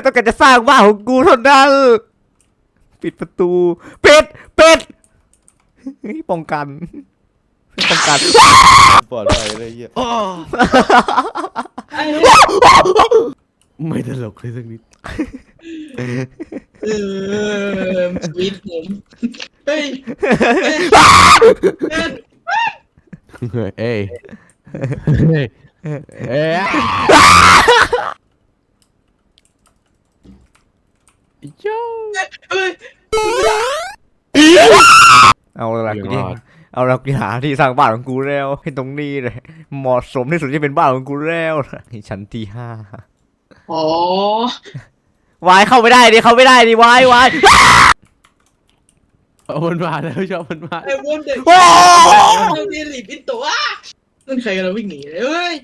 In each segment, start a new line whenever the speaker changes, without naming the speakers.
ต้องการจะสร้างบ้านของกูเท่านั้นปิดประตูเป็ดป้องกัน
ปลอดภัยเลยเหี้ยไม่ตลกเลยสักนิด
สวีทผมเฮ้ย
เอ้ยเอ้ยเอ้ยโย่
เฮ้ย
เอาละกูดิเอาละกูหาที่สร้างบ้านของกูแล้วให้ตรงนี้เลยเหมาะสมที่สุดที่เป็นบ้านของกูแล้วนี่ชั้นที่5
อ๋อ
วายเข้าไม่ได้ดิวาย
เอามันมาแล้วชอบมันมา
ไอ้พวกเด็ก
โอ้
เราเรียนหลีบินตัวนั่นใครกันเราวิ่งหนีเลยเฮ้ย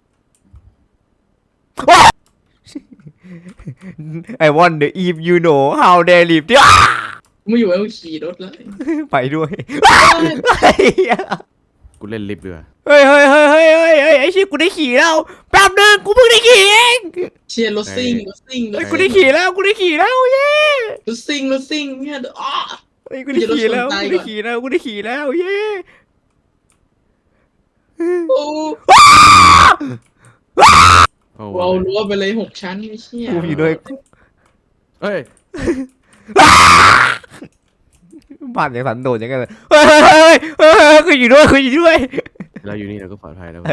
I wonder if you know how they live ดิ
ไม่อยู่แล้วขี่รถแล้ว
ไปด้วย
กูเล่นลิฟต์ด้วย
เฮ้ยไอ้ชิกูได้ขี่แล้วแป๊บนึงกูเพิ่งได้ขี่เอง
เชียร์รถซิ่ง
กูได้ขี่แล้วเย้
รถซิ่งเนี่ยอ๋อ
กูได้ขี่แล้วเย้
โอ้
โอ้
เอารั้วไปเลย6 ชั้นไม่เชี่ย
กูอยู่ด้วย
เฮ้ย
บ้านอย่างสันโดษอย่างเงี้ยเลยกูอยู่ด้วย
เราอยู่นี่เราก็ปลอดภัยแล้ว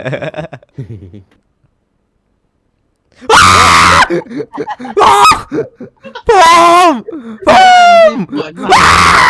พร้อม